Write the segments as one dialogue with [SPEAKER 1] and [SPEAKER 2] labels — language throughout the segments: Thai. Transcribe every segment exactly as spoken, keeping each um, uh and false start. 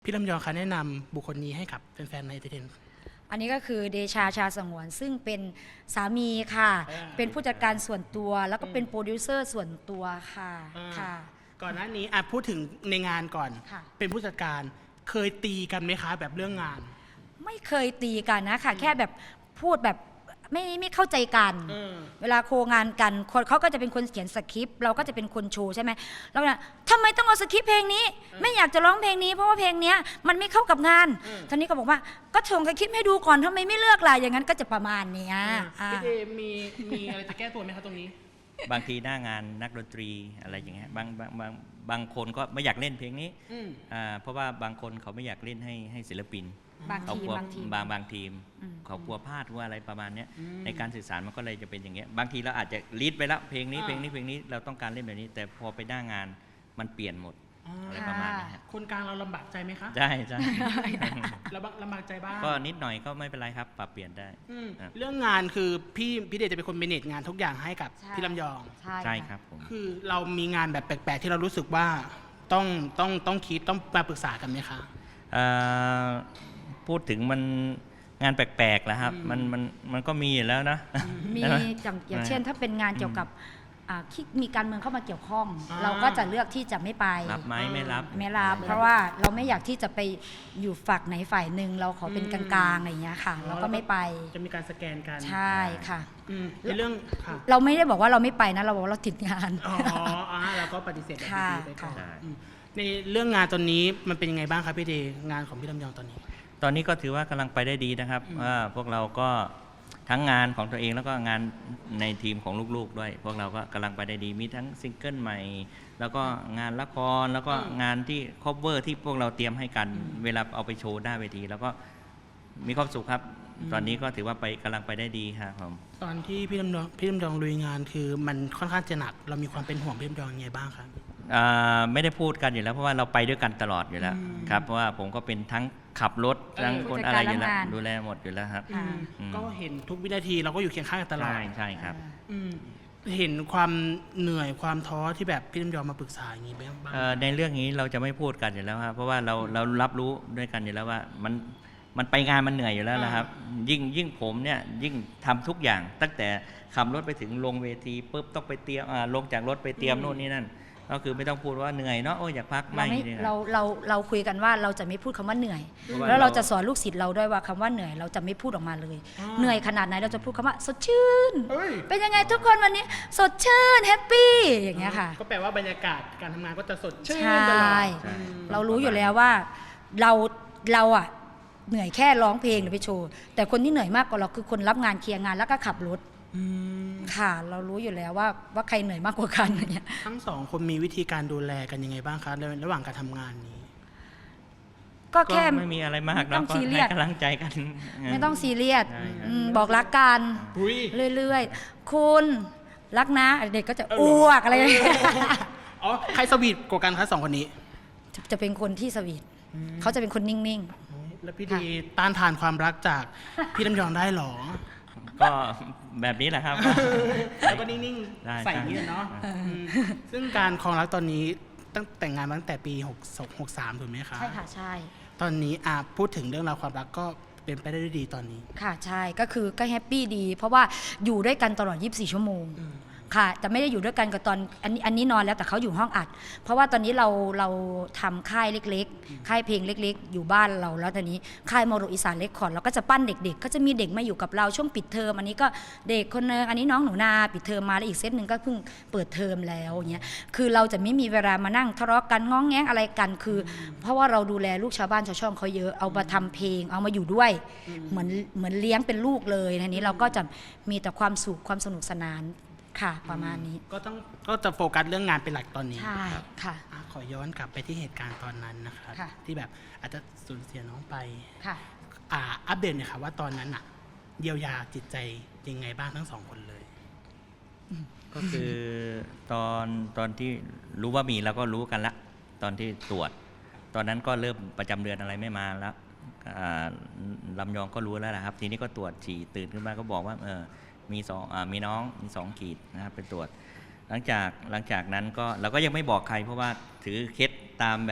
[SPEAKER 1] พี่ลำยองคะแนะนำบุคคลนี้ให้กับแฟนๆในเทน
[SPEAKER 2] อันนี้ก็คือเดชาชาสงวนซึ่งเป็นสามีค่ะ เป็นผู้จัดการส่วนตัวแล้วก็เป็นโปรดิวเซอร์ส่วนตัวค่ะค่ะ
[SPEAKER 1] ก่อนหน้านี้อ่ะพูดถึงในงานก่อน
[SPEAKER 2] ค่ะ
[SPEAKER 1] เป็นผู้จัดการเคยตีกันไหมคะแบบเรื่องงาน
[SPEAKER 2] ไม่เคยตีกันนะค่ะแค่แบบพูดแบบไม่ไม่เข้าใจกัน
[SPEAKER 1] เออ
[SPEAKER 2] เวลาโคงานกันคนเขาก็จะเป็นคนเขียนสคริปต์เราก็จะเป็นคนโชว์ใช่ไหมเราเนี่ยทำไมต้องเอาสคริปต์เพลงนี้ ไม่อยากจะร้องเพลงนี้เพราะว่าเพลงเนี้ยมันไม่เข้ากับงานท่านนี้ก็บอกว่าก็ส่งสคริปต์ให้ดูก่อนทำไมไม่เลือกล่ะอย่างนั้นก็จะประมาณเนี้ยอ่า
[SPEAKER 1] พี่เดมีมีอะไรจะแก้ตัวไหมคะตรงนี้
[SPEAKER 3] บางทีหน้างานนักดนตรีอะไรอย่างเงี้ยบางบางบางบางคนก็ไม่อยากเล่นเพลงนี้
[SPEAKER 1] อืม
[SPEAKER 3] อ่าเพราะว่าบางคนเขาไม่อยากเล่นให้ให้ศิลปิน
[SPEAKER 2] บาง
[SPEAKER 3] เขา
[SPEAKER 2] ที
[SPEAKER 3] กลัว
[SPEAKER 2] บางที
[SPEAKER 3] บางบางทีม
[SPEAKER 2] อืม
[SPEAKER 3] เขากลัวพลาดกลัวอะไรประมาณเนี้ย
[SPEAKER 1] อืม
[SPEAKER 3] ในการสื่อสารมันก็เลยจะเป็นอย่างเงี้ยบางทีเราอาจจะลีดไปแล้วเพลงนี้
[SPEAKER 1] อ่า
[SPEAKER 3] เพลงนี้เพลงนี้เราต้องการเล่นแบบนี้ แต่พอไปหน้างานมันเปลี่ยนหมดอะไรประมาณนี้ฮะ
[SPEAKER 1] คนกลางเราลำบากใจไหมคะ
[SPEAKER 3] ใช่ใช่
[SPEAKER 1] ลำบากลำบากใจบ้าง
[SPEAKER 3] ก็นิดหน่อยก็ไม่เป็นไรครับ ปรับเปลี่ยนได้
[SPEAKER 1] อืม
[SPEAKER 3] ครับ
[SPEAKER 1] เรื่องงานคือพี่พี่เดชจะเป็นคนเมเนจงานทุกอย่างให้กับ
[SPEAKER 2] ใช่
[SPEAKER 1] พี่ลำยอง
[SPEAKER 2] ใช่
[SPEAKER 3] ใช่
[SPEAKER 2] ะ
[SPEAKER 3] ครับผม
[SPEAKER 1] คือเรามีงานแบบแปลกๆ ที่เรารู้สึกว่าต้องต้องต้องคิดต้องมาปรึกษากันไหมคะ
[SPEAKER 3] เอ่อพูดถึงมันงานแปลกๆแล้วครับ
[SPEAKER 1] อืม
[SPEAKER 3] มันมันมันก็มีอยู่แล้วนะ
[SPEAKER 2] มี
[SPEAKER 3] ใช่ไห
[SPEAKER 2] อย่างอย่างเช่น ถ้าเป็นงานเกี่ยวกับอ่าที่มีการเมืองเข้ามาเกี่ยวข้อง
[SPEAKER 1] อ่า
[SPEAKER 2] เราก็จะเลือกที่จะไม่ไป
[SPEAKER 3] รับไหมไม่รับ
[SPEAKER 2] ไม่รับเพราะว่าเราไม่อยากที่จะไปอยู่ฝักไหนฝ่ายหนึ่งเราขอเป็นกลางๆอะไรอย่างเงี้ยค่ะ เราก็ไม่ไป
[SPEAKER 1] จะมีการสแกนกัน
[SPEAKER 2] ใช่ค่ะ
[SPEAKER 1] อืมในเรื่องค่ะ
[SPEAKER 2] เราไม่ได้บอกว่าเราไม่ไปนะเราบอกว่าเราติดงาน
[SPEAKER 1] อ๋ออ่าแล้วก็ปฏิเสธแบบ
[SPEAKER 2] ค่ะ
[SPEAKER 1] ดีๆไปก่อน
[SPEAKER 3] ค่ะ
[SPEAKER 1] อืมในเรื่องงานตอนนี้มันเป็นยังไงบ้างครับพี่เดย์งานของพี่ลำยองตอนนี้
[SPEAKER 3] ตอนนี้ก็ถือว่ากำลังไปได้ดีนะครับ
[SPEAKER 1] อืม
[SPEAKER 3] ว่าพวกเราก็ทั้งงานของตัวเองแล้วก็งานในทีมของลูกๆด้วย พวกเราก็กำลังไปได้ดีมีทั้งซิงเกิลใหม่ แล้วก็งานละครแล้วก็งานที่คอเวอร์ที่พวกเราเตรียมให้กันเวลาเอาไปโชว์หน้าเวที แล้วก็มีความสุขครับ ตอนนี้ก็ถือว่าไปกำลังไปได้ดีครับผม
[SPEAKER 1] ตอนที่พี่ลำยองพี่ลำยองลุยงานคือมันค่อนข้างจะหนัก เรามีความเป็นห่วงพี่ลำยองยังไงบ้างครับ
[SPEAKER 3] อ่าไม่ได้พูดกันอยู่แล้วเพราะว่าเราไปด้วยกันตลอดอยู่แล้ว
[SPEAKER 1] อืม
[SPEAKER 3] ครับเพราะว่าผมก็เป็นทั้งขับรถ
[SPEAKER 1] เออ
[SPEAKER 3] ทั้งคนอะไรอยู่แล้ว
[SPEAKER 2] ผู้จัดการรับงาน
[SPEAKER 3] ดูแลหมดอยู่แล้วครับ
[SPEAKER 2] ค่ะ
[SPEAKER 3] อืม
[SPEAKER 1] ก็เห็นทุกวินาทีเราก็อยู่เคียงข้างกันตลอด
[SPEAKER 3] ใช่ใช่ครับ
[SPEAKER 1] อืมเห็นความเหนื่อยความท้อที่แบบพี่ลำยองมาปรึกษาอย่างนี้บ้างบ้าง
[SPEAKER 3] เอ่อในเรื่องนี้เราจะไม่พูดกันอยู่แล้วครับเพราะว่าเราเรารับรู้ด้วยกันอยู่แล้วว่ามันมันไปงานมันเหนื่อยอยู่แล้วนะครับ ยิ่งยิ่งผมเนี่ยยิ่งทำทุกอย่าง ตั้งแต่ขับรถไปถึงลงเวทีปุ๊บต้องไปเตรียมอ่าลงจากรถไปเตรียมโน่นนี่นั่นก็คือไม่ต้องพูดว่าเหนื่อยเนาะโอ้ยอยากพัก
[SPEAKER 2] เรา
[SPEAKER 3] ไม่
[SPEAKER 2] ไม่
[SPEAKER 3] นี่ค
[SPEAKER 2] เรา
[SPEAKER 3] รับ
[SPEAKER 2] เราเราคุยกันว่าเราจะไม่พูดคำว่าเหนื่อย
[SPEAKER 3] เพราะว่า
[SPEAKER 2] แล้วเรา
[SPEAKER 3] เรา
[SPEAKER 2] จะสอนลูกศิษย์เราด้วยว่าคำว่าเหนื่อยเราจะไม่พูดออกมาเลย
[SPEAKER 1] อ่า
[SPEAKER 2] เหนื่อยขนาดไหนเราจะพูดคำว่าสดชื่น
[SPEAKER 1] เอ้ย
[SPEAKER 2] เป็นยังไงทุกคนวันนี้สดชื่นแฮปปี้อย่างเงี้ยค่ะ
[SPEAKER 1] ก็แปลว่าบรรยากาศการทำงานก็จะสดชื่น
[SPEAKER 2] ใช่
[SPEAKER 1] ตลอด
[SPEAKER 3] ใช่
[SPEAKER 1] อืม
[SPEAKER 2] เรารู้อยู่แล้วว่าเราเราอะเหนื่อยแค่ร้องเพลงหรือไปโชว์แต่คนที่เหนื่อยมากกว่าเราคือคนรับงานเคลียร์งานแล้วก็ขับรถ
[SPEAKER 1] อืม
[SPEAKER 2] ค่ะ เรารู้อยู่แล้วว่าว่าใครเหนื่อยมากกว่ากันอย่างเงี้ย
[SPEAKER 1] ทั้งสองคนมีวิธีการดูแลกันยังไงบ้างคะในระหว่างการทำงานนี้
[SPEAKER 2] ก็
[SPEAKER 3] ก็
[SPEAKER 2] แค่
[SPEAKER 3] ไม่มีอะไรมาก
[SPEAKER 2] ต้
[SPEAKER 3] เรา
[SPEAKER 2] อง
[SPEAKER 3] ก็
[SPEAKER 2] ซีเรี
[SPEAKER 3] ให้
[SPEAKER 2] ยส
[SPEAKER 3] กำลังใจกัน
[SPEAKER 2] ไม่ต้องซีเรียส
[SPEAKER 3] ใช่ครับ
[SPEAKER 2] อืมบอกรักกัน
[SPEAKER 1] อุ้ย
[SPEAKER 2] เรื่อยๆ คุณรักนะเด็กก็จะ
[SPEAKER 1] เออ
[SPEAKER 2] อ้วกอะไรอย่างเงี้ย
[SPEAKER 1] อ๋อใครสวีทกว่ากันคะสองคนนี้
[SPEAKER 2] จะจะเป็นคนที่สวีทเขาจะเป็นคนนิ่ง
[SPEAKER 1] แล้วพี่ดีต้านทานความรักจากพี่ลำยองได้หรอ
[SPEAKER 3] ก็แบบนี้แหละครับ
[SPEAKER 1] แล้วก็นิ่ง
[SPEAKER 3] ได้
[SPEAKER 1] ๆใส่อย่างนี้เนาะอืมซึ่งการครองรักตอนนี้ตั้งแต่งงานมาตั้งแต่ปีหกสอง หกสามถูกไหม
[SPEAKER 2] ๆ
[SPEAKER 1] คะ
[SPEAKER 2] ใช่ค่ะใช่
[SPEAKER 1] ตอนนี้อาพูดถึงเรื่องราวความรักก็เป็นไปได้ด้วยดีตอนนี้
[SPEAKER 2] ค่ะใช่ก็คือก็แฮปปี้ดี เพราะว่าอยู่ด้วยกันตลอดยี่สิบสี่ชั่วโมงค่ะแต่ไม่ได้อยู่ด้วยกันกับตอนอันนี้อันนี้นอนแล้วแต่เขาอยู่ห้องอัด เพราะว่าตอนนี้เราเราทำค่ายเล็กๆ ค่ายเพลงเล็ก ๆ อยู่บ้านเราแล้วตอนนี้ค่ายโมโรอีสานเรคคอร์ดเราก็จะปั้นเด็กๆ ก็จะมีเด็กมาอยู่กับเราช่วงปิดเทอมอันนี้ก็เด็กคนนึงอันนี้น้องหนูนาปิดเทอมมาแล้วอีกเซตหนึ่งก็เพิ่งเปิดเทอมแล้วอย่างเงี้ยคือเราจะไม่มีเวลามานั่งทะเลาะกันง้องแง้งอะไรกันคือ เพราะว่าเราดูแลลูกชาวบ้านชาวช่องเขาเยอะเอามาทำเพลงเอามาอยู่ด้วย เหมือนเหมือนเลี้ยงเป็นลูกเลยทีนี้เราก็จะมีแต่ความสุขความสนุกสนานค่ะประมาณนี้
[SPEAKER 1] ก็ต้องก็จะโฟกัสเรื่องงานเป็นหลักตอนนี้
[SPEAKER 2] ใช่ค่ะ
[SPEAKER 1] อ่ะขอย้อนกลับไปที่เหตุการณ์ตอนนั้นนะครับ
[SPEAKER 2] ค่ะ
[SPEAKER 1] ที่แบบอาจจะสูญเสียน้องไป
[SPEAKER 2] ค่ะ
[SPEAKER 1] อ่าอัปเดตหน่อยค่ะว่าตอนนั้นอะเยียวยาจิตใจยังไงบ้างทั้งสองคนเลย
[SPEAKER 3] ก็คือตอนตอนที่รู้ว่ามีเราก็รู้กันละตอนที่ตรวจ ตอนนั้นก็เริ่มประจำเดือนอะไรไม่มาแล้วอ่าลำยองก็รู้แล้วนะครับ ทีนี้ก็ตรวจฉี่ตื่นขึ้นมาก็บอกว่าเออมีสองอามีน้องมีสองขีดนะครับไปตรวจ หลังจากหลังจากนั้นก็เราก็ยังไม่บอกใคร เพราะว่าถือเคล็ดตามแบบ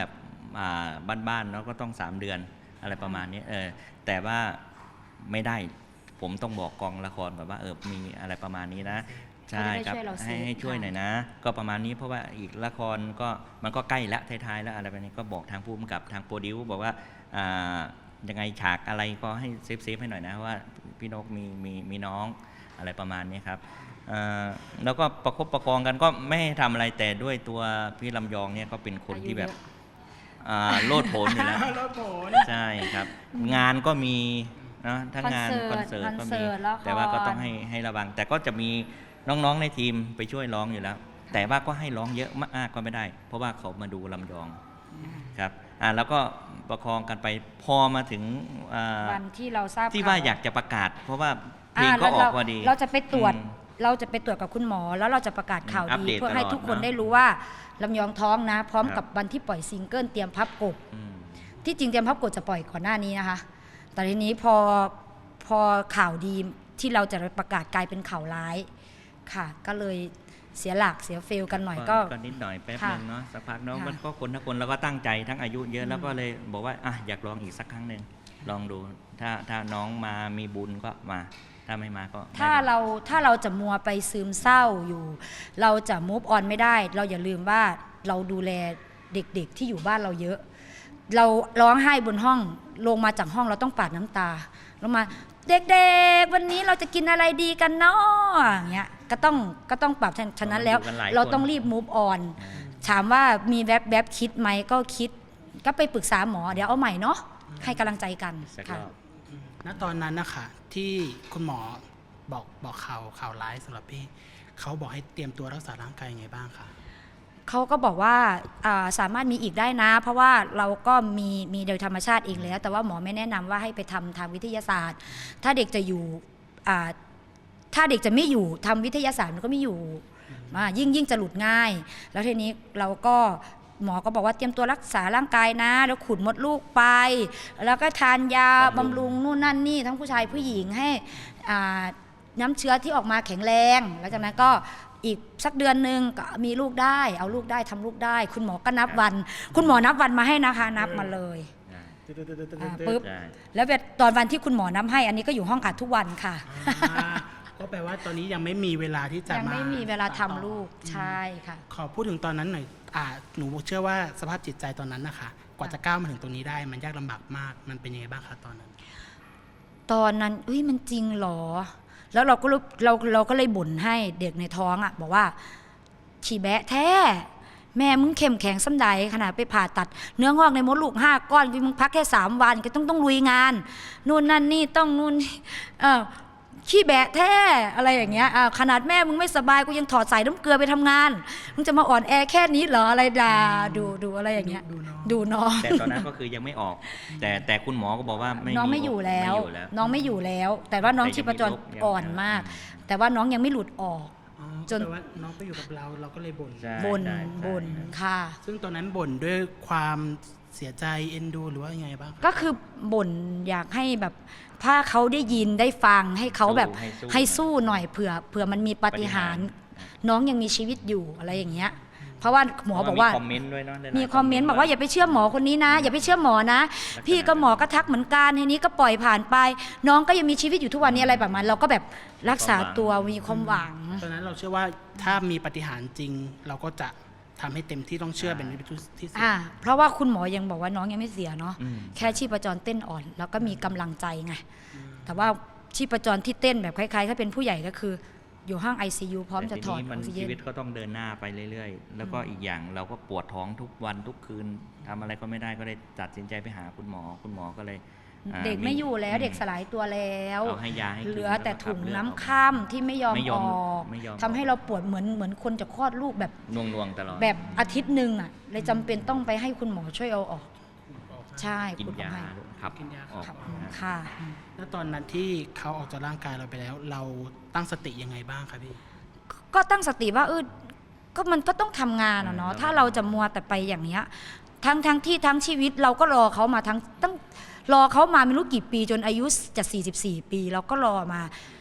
[SPEAKER 3] อ่าบ้านๆเนาะก็ต้องสามเดือนอะไรประมาณนี้เออแต่ว่าไม่ได้ผมต้องบอกกองละครก่อนว่าเออมีอะไรประมาณนี้นะใช่ครับ
[SPEAKER 2] เขาจะได้ช่วยเราเซฟ
[SPEAKER 3] ให้ให้ช่วยหน่อยนะ ก็ประมาณนี้เพราะว่าอีกละครก็มันก็ใกล้ละท้ายๆแล้วอะไรแบบนี้ก็บอกทางผู้กำกับทางโปรดิวบอกว่าอ่ายังไงฉากอะไรก็ให้เซฟเซฟให้หน่อยนะว่าพี่นกมีมีมีน้องอะไรประมาณนี้ครับอ่าแล้วก็ประคบประคองกันก็ไม่ให้ทำอะไรแต่ด้วยตัวพี่ลำยองเนี่ยก็เป็นคนที่แบบอ่าโลดโผนอยู่แล้ว
[SPEAKER 1] รถโผน
[SPEAKER 3] ใช่ครับ งานก็มีนะทั้งงาน
[SPEAKER 2] ค
[SPEAKER 3] ค
[SPEAKER 2] อ
[SPEAKER 3] อน น
[SPEAKER 2] เสิ
[SPEAKER 3] เสิ
[SPEAKER 2] ร์
[SPEAKER 3] ร์
[SPEAKER 2] ต
[SPEAKER 3] ตก็
[SPEAKER 2] คอนเสิ
[SPEAKER 3] มี
[SPEAKER 2] ร์ตละคร
[SPEAKER 3] แต่ว่าก็ต้องให้ให้ระวัง แต่ก็จะมีน้องๆในทีมไปช่วยร้องอยู่แล้ว แต่ว่าก็ให้ร้องเยอะมากก็ไม่ได้ เพราะว่าเขามาดูลำยองครับอ่าแล้วก็ประคองกันไปพอมาถึงอ่า
[SPEAKER 2] วันที่เราทราบ
[SPEAKER 3] ที่
[SPEAKER 2] ข่
[SPEAKER 3] ว่าอยากจะประกาศ เพราะว่าเพลงก็
[SPEAKER 2] า
[SPEAKER 3] ออกพอดี
[SPEAKER 2] เราจะไปตรวจ
[SPEAKER 3] อืม
[SPEAKER 2] เราจะไปตรวจกับคุณหมอ แล้วเราจะประกาศข่าว
[SPEAKER 3] อัป
[SPEAKER 2] ดี
[SPEAKER 3] เดต
[SPEAKER 2] เพื่อให้
[SPEAKER 3] ตลอด
[SPEAKER 2] ทุกคน
[SPEAKER 3] เนอะ
[SPEAKER 2] ได้รู้ว่าลำยองท้องนะ พร้อม
[SPEAKER 3] ครับ
[SPEAKER 2] กับวันที่ปล่อยซิงเกิลเตรียมพับกบ
[SPEAKER 3] อืม
[SPEAKER 2] ที่จริงเตรียมพับกบจะปล่อยก่อนหน้านี้นะคะ แต่ทีนี้พอพอข่าวดีที่เราจะประกาศกลายเป็นข่าวร้ายค่ะ ก็เลยเสียหลักเสียเฟลกันหน่อยก็
[SPEAKER 3] ก็นิดหน่อยแป๊บ
[SPEAKER 2] ค่ะ
[SPEAKER 3] นึงเนาะสักพักเนาะ
[SPEAKER 2] ค่ะ
[SPEAKER 3] มันก็คนทั้งคนแล้วก็ตั้งใจทั้งอายุเยอะแล้วก็เลยบอกว่าอ่ะอยากลองอีกสักครั้งหนึ่งลองดูถ้าถ้าน้องมามีบุญก็มา ถ้าไม่มาก็ไม่
[SPEAKER 2] ถ้า
[SPEAKER 3] เป็น
[SPEAKER 2] เราถ้าเราจะมัวไปซึมเศร้าอยู่ เราจะมูฟออนไม่ได้ เราอย่าลืมว่าเราดูแลเด็กๆที่อยู่บ้านเราเยอะ เราร้องไห้บนห้องลงมาจากห้องเราต้องปาดน้ำตาลงมาเด็กๆวันนี้เราจะกินอะไรดีกันเนาะอย่างเงี้ยก็ต้องก็ต้องปรับฉะนั้นแล้ว
[SPEAKER 3] อยู่กันหลายคน
[SPEAKER 2] เราต้องรีบมูฟออนถามว่ามีแวบแวบๆคิดไหมก็คิดก็ไปปรึกษาหมอเดี๋ยวเอาใหม่เนาะให้กำลังใจกัน
[SPEAKER 3] สักร
[SPEAKER 2] ค่ะ
[SPEAKER 3] อบ
[SPEAKER 1] ณตอนนั้นนะคะที่คุณหมอบอกบอกข่าวข่าวร้ายสำหรับพี่เขาบอกให้เตรียมตัวรักษาร่างกายยังไงบ้างคะ
[SPEAKER 2] เขาก็บอกว่าอ่าสามารถมีอีกได้นะ เพราะว่าเราก็มีมีโดยธรรมชาติเองแล้ว แต่ว่าหมอไม่แนะนำว่าให้ไปทำทางวิทยาศาสตร์ ถ้าเด็กจะอยู่อ่าถ้าเด็กจะไม่อยู่ทำวิทยาศาสตร์มันก็ไม่อยู่อ่ายิ่งยิ่งจะหลุดง่าย แล้วทีนี้เราก็หมอก็บอกว่าเตรียมตัวรักษาร่างกายนะ แล้วขุดมดลูกไป แล้วก็ทานยาบำรุงนู่นนั่นนี่ทั้งผู้ชายผู้หญิงให้อ่าน้ำเชื้อที่ออกมาแข็งแรงแล้วจากนั้นก็อีกสักเดือนหนึ่งก็มีลูกได้เอาลูกได้ทำลูกได้ คุณหมอก็นับวัน คุณหมอนับวันมาให้นะคะ นับมาเลยอ่าปึ๊บ
[SPEAKER 3] ใช่
[SPEAKER 2] แล้วเวลาตอนวันที่คุณหมอนับให้ อันนี้ก็อยู่ห้องอัดทุกวันค่ะ
[SPEAKER 1] อ่าก็แปลว่าตอนนี้ยังไม่มีเวลาที่จะ
[SPEAKER 2] ยังไม่มีเวลาทำลูก
[SPEAKER 1] อืม
[SPEAKER 2] ใช่ค่ะ
[SPEAKER 1] ขอพูดถึงตอนนั้นหน่อยอ่าหนูเชื่อว่าสภาพจิตใจตอนนั้นนะคะกว่าจะก้าวมาถึงตรงนี้ได้ มันยากลำบากมากมันเป็นยังไงบ้างคะตอนนั้น
[SPEAKER 2] ตอนนั้นเอ้ยมันจริงเหรอ แล้วเราก็รู้เราเราก็เลยบ่นให้เด็กในท้องอ่ะบอกว่าฉีแบะแท้ แม่มึงเข้มแข็งส้ำใดขนาดไปผ่าตัด เนื้องอกในมดลูกห้าก้อนมึงพักแค่สามวันก็ต้องต้องลุยงาน นู่นนั่นนี่ต้องนู่นนี่เออขี้แบะแท้อะไรอย่างเงี้ยอ่าขนาดแม่มึงไม่สบายกูยังถอดสายน้ำเกลือไปทำงานมึงจะมาอ่อนแอแค่นี้เหรออะไรด่าดูดูอะไรอย่างเงี้ย
[SPEAKER 1] ดูน้อง
[SPEAKER 2] ดูน้อง
[SPEAKER 3] แต่ตอนนั้นก็คือยังไม่ออก แต่แต่คุณหมอก็บอกว่าไม่
[SPEAKER 2] น้อง
[SPEAKER 3] มี
[SPEAKER 2] ไม่อยู่แล้ว
[SPEAKER 3] ไม่อยู่แล้ว
[SPEAKER 2] น้องไม่อยู่แล้ว แต่ว่าน้อง
[SPEAKER 3] แต่ยัง
[SPEAKER 2] ชีพจร
[SPEAKER 3] มีโรคยัง
[SPEAKER 2] อ่อนมาก แต่ว่าน้องยังไม่หลุดออก
[SPEAKER 1] อ๋อ
[SPEAKER 2] จน
[SPEAKER 1] แปลว่าน้องไปอยู่กับเราเราก็เลยบ่น
[SPEAKER 3] ใช่
[SPEAKER 2] บน
[SPEAKER 3] ใช่ใช่
[SPEAKER 2] บนค่ะ
[SPEAKER 1] ซึ่งตอนนั้นบ่นด้วยความเสียใจเอ็นดูหรือว่ายังไงบ้างคะ
[SPEAKER 2] ก็คือบ่นอยากให้แบบถ้าเขาได้ยินได้ฟังให้เขาแบบ
[SPEAKER 3] ให้สู้
[SPEAKER 2] ให้สู้หน่อยเผื่อเผื่อมันมีปาฏิหาริย์น้องยังมีชีวิตอยู่อะไรอย่างเงี้ย เพราะว่าหมอบอกว่า
[SPEAKER 3] มีคอมเมนต์ด้วยเนาะหลายๆ
[SPEAKER 2] มีคอมเมนต์บอกว่าอย่าไปเชื่อหมอคนนี้นะ อย่าไปเชื่อหมอนะ พี่ก็หมอก็ทักเหมือนกันทีนี้ก็ปล่อยผ่านไป น้องก็ยังมีชีวิตอยู่ทุกวันนี้อะไรแบบนั้นเราก็แบบรักษาตัวมีความหวัง
[SPEAKER 1] ตอนนั้นเราเชื่อว่าถ้ามีปาฏิหาริย์จริง เราก็จะทำให้เต็มที่ต้องเชื่อเป็นที่ที่สุด
[SPEAKER 2] อ่าเพราะว่าคุณหมอยังบอกว่าน้องยังไม่เสียเนาะ
[SPEAKER 3] อืม
[SPEAKER 2] แค่ชีพจรเต้นอ่อน แล้วก็มีกำลังใจไงแต่ว่าชีพจรที่เต้นแบบคล้ายๆถ้าเป็นผู้ใหญ่ก็คืออยู่ห้อง ไอ ซี ยู พร้อมจะ
[SPEAKER 3] แต่
[SPEAKER 2] ถ
[SPEAKER 3] ที
[SPEAKER 2] อด
[SPEAKER 3] นี้
[SPEAKER 2] อ
[SPEAKER 3] มัน
[SPEAKER 2] อกซิเจ
[SPEAKER 3] ชี
[SPEAKER 2] น
[SPEAKER 3] วิตก็ต้องเดินหน้าไปเรื่อยๆ แล้วก็อีกอย่างเราก็ปวดท้องทุกวันทุกคืนทำอะไรก็ไม่ได้ก็เลยตัดสินใจไปหาคุณหมอ คุณหมอก็เลยอ่า
[SPEAKER 2] เด็กไม่อยู่แล้วเด็กสลายตัวแล้ว
[SPEAKER 3] เอาให้ยาให้กิน
[SPEAKER 2] เหลือแต่ถุง
[SPEAKER 3] แล้วก็ขับเลือด
[SPEAKER 2] น้ำ
[SPEAKER 3] ออก
[SPEAKER 2] ข้ามที่ไม่ยอม
[SPEAKER 3] ไม่ย
[SPEAKER 2] อ
[SPEAKER 3] อม
[SPEAKER 2] อก
[SPEAKER 3] ไม่ยอม
[SPEAKER 2] ทำให้เราปวดเหมือนเหมือนคนจะคลอดลูกแบบ
[SPEAKER 3] น่วงๆตลอด
[SPEAKER 2] แบบอาทิตย์หนึ่งอ่ะเลยจำเป็นต้องไปให้คุณหมอช่วยเอาออก ใช่
[SPEAKER 3] กิน
[SPEAKER 2] คุณหมอย
[SPEAKER 3] า
[SPEAKER 2] ให้
[SPEAKER 3] ขับ
[SPEAKER 1] กินยา
[SPEAKER 3] ออก
[SPEAKER 2] ครับ
[SPEAKER 3] นะ
[SPEAKER 2] ค่ะ
[SPEAKER 1] แล้วตอนนั้นที่เขาออกจากร่างกายเราไปแล้ว เราตั้งสติยังไงบ้างคะพี่
[SPEAKER 2] ก็ตั้งสติว่าเออก็มันก็ต้องทำงานอะเนาะถ้าเราจะมัวแต่ไปอย่างเนี้ยทั้งทั้งที่ทั้งชีวิตเราก็รอเขามาทั้งตั้งรอเขามาไม่รู้กี่ปีจนอายุจะสี่สิบสี่ปีเราก็รอมา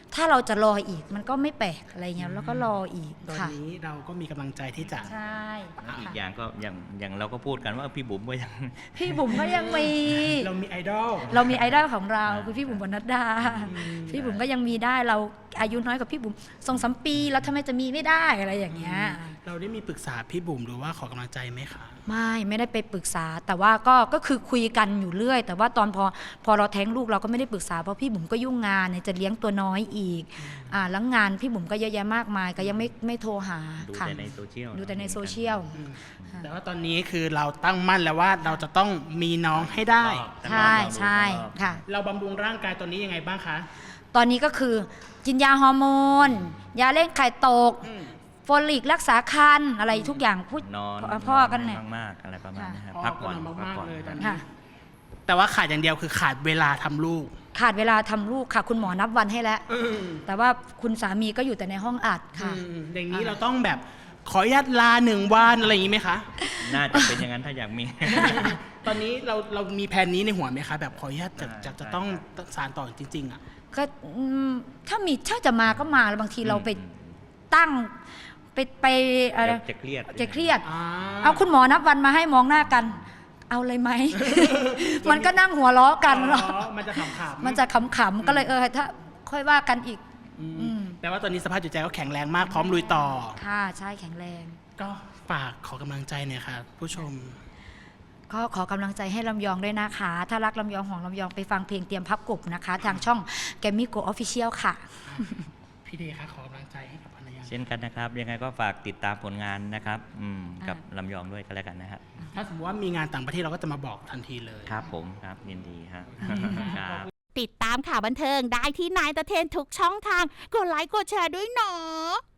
[SPEAKER 2] ถ้าเราจะรออีกมันก็ไม่แปลกอะไรเงี้ยแล้วก็รออีก
[SPEAKER 1] ตอน
[SPEAKER 2] ค่ะ
[SPEAKER 1] นี้เราก็มีกำลังใจที่จะ
[SPEAKER 2] ใช่
[SPEAKER 3] แล้วอีก
[SPEAKER 2] ค่ะ
[SPEAKER 3] อย่างก็อย่างอย่างเราก็พูดกันว่าพี่บุ๋มก็ยัง
[SPEAKER 2] พี่บุ๋มก็ยังมี
[SPEAKER 1] เรามีไอดอล
[SPEAKER 2] เรามีไอดอลของเรา
[SPEAKER 3] อ่า
[SPEAKER 2] คือพี่บุ๋มบรรณัดดา
[SPEAKER 1] อืม
[SPEAKER 2] พี่บุ๋มก็ยังมีได้เราอายุน้อยกว่าพี่บุ๋มสองสามปีแล้วทำไมจะมีไม่ได้อะไรอย่างเงี้ย
[SPEAKER 1] เราได้มีปรึกษาพี่บุ๋มหรือว่าขอกำลังใจไหมคะ
[SPEAKER 2] ไม่ไม่ได้ไปปรึกษาแต่ว่าก็ก็คือคุยกันอยู่เรื่อย แต่ว่าตอนพอพอเราแท้งลูกเราก็ไม่ได้ปรึกษาเพราะพี่บุ๋มก็ยุ่งงานเนี่ยจะเลี้ยงตัวน้อยอีกอ่าแล้วงานพี่บุ๋มก็เยอะแยะมากมายก็ยังไม่ไม่โทรหา
[SPEAKER 3] ดู
[SPEAKER 2] ค่ะ
[SPEAKER 3] แต่ในโซเชียล
[SPEAKER 2] ดูแต่ในโซเชียล
[SPEAKER 1] แต่ว่าตอนนี้คือเราตั้งมั่นแล้วว่าเราจะต้องมีน้องให้ได้
[SPEAKER 2] ใช่ใช่ค่ะ
[SPEAKER 1] เราบำรุงร่างกายตอนนี้ยังไงบ้างคะ
[SPEAKER 2] ตอนนี้ก็คือกินยาฮอร์โมน ยาเร่งไข่ตก
[SPEAKER 1] อืม
[SPEAKER 2] โฟลิกรักษาคันอะไรทุกอย่างพูด
[SPEAKER 3] นอน
[SPEAKER 2] พ่อกันเนี่ย
[SPEAKER 3] มากๆอะไรประมาณนี้ครับ
[SPEAKER 1] พ่อ
[SPEAKER 3] พักผ่อน
[SPEAKER 1] ก็นอน
[SPEAKER 3] พัก
[SPEAKER 1] มาก
[SPEAKER 3] ผ่อน
[SPEAKER 1] ๆเลยตอน
[SPEAKER 2] ค่ะ
[SPEAKER 1] นี้ แต่ว่าขาดอย่างเดียวคือขาดเวลาทำลูก
[SPEAKER 2] ขาดเวลาทำลูกค่ะ คุณหมอนับวันให้แล้ว
[SPEAKER 1] อืม
[SPEAKER 2] แต่ว่าคุณสามีก็อยู่แต่ในห้องอัดค่ะ
[SPEAKER 1] อืมอย่างนี้เราต้องแบบขออนุญาตลาหนึ่งวันอะไรอย่างนี้ไหมคะ
[SPEAKER 3] น่าจะเป็นอย่างนั้นถ้าอยากมี
[SPEAKER 1] ตอนนี้เราเรามีแผนนี้ในหัวไหมคะ แบบขออนุญาตจะ
[SPEAKER 3] ได้
[SPEAKER 1] จะจะ
[SPEAKER 3] ได้
[SPEAKER 1] ต้อง
[SPEAKER 3] ครับ
[SPEAKER 1] สารต่อจริงๆอ่ะ
[SPEAKER 2] ก็อืมถ้ามีถ้าจะมาก็มาแล้วบางทีเราไป
[SPEAKER 3] อืม
[SPEAKER 2] ตั้งไปไปอะไร
[SPEAKER 3] จะเครียด
[SPEAKER 2] จะเครียด
[SPEAKER 1] อ่า
[SPEAKER 2] เอาคุณหมอนับวันมาให้มองหน้ากัน เอาเลยไหม มันก็นั่งหัวเราะกัน
[SPEAKER 1] อ๋
[SPEAKER 2] เนาะ
[SPEAKER 1] อมันจะขำๆ
[SPEAKER 2] มันจะขำๆก็เลยเออถ้าค่อยว่ากันอีก
[SPEAKER 1] อืม
[SPEAKER 2] อืม
[SPEAKER 1] แปลว่าตอนนี้สภาพจิตใจก็แข็งแรงมากพร้อมลุยต่อ
[SPEAKER 2] ค่ะใช่แข็งแรง
[SPEAKER 1] ก็ฝากขอกำลังใจหน่อยค่ะ ผู้ชม
[SPEAKER 2] ก็ขอกำลังใจให้ลำยองด้วยนะคะ ถ้ารักลำยองของลำยองไปฟังเพลงเตรียมพับกบนะคะ ทางช่องแกมมี่โกออฟฟิเชียลค่ะ
[SPEAKER 1] พี่เดคะขอกำลังใจให้กับภรรยา
[SPEAKER 3] เช่นกันนะครับ ยังไงก็ฝากติดตามผลงานนะครับอืมกับ
[SPEAKER 2] อ่า
[SPEAKER 3] ลำยองด้วยก็แล้วกันนะครับ
[SPEAKER 1] ถ้าสมมติว่ามีงานต่างประเทศเราก็จะมาบอกทันทีเลย
[SPEAKER 3] ครับผมครับยินดีครับครับ
[SPEAKER 4] ติดตามข่าวบันเทิงได้ที่นายตะเทนทุกช่องทาง กดไลค์กดแชร์ด้วยเนาะ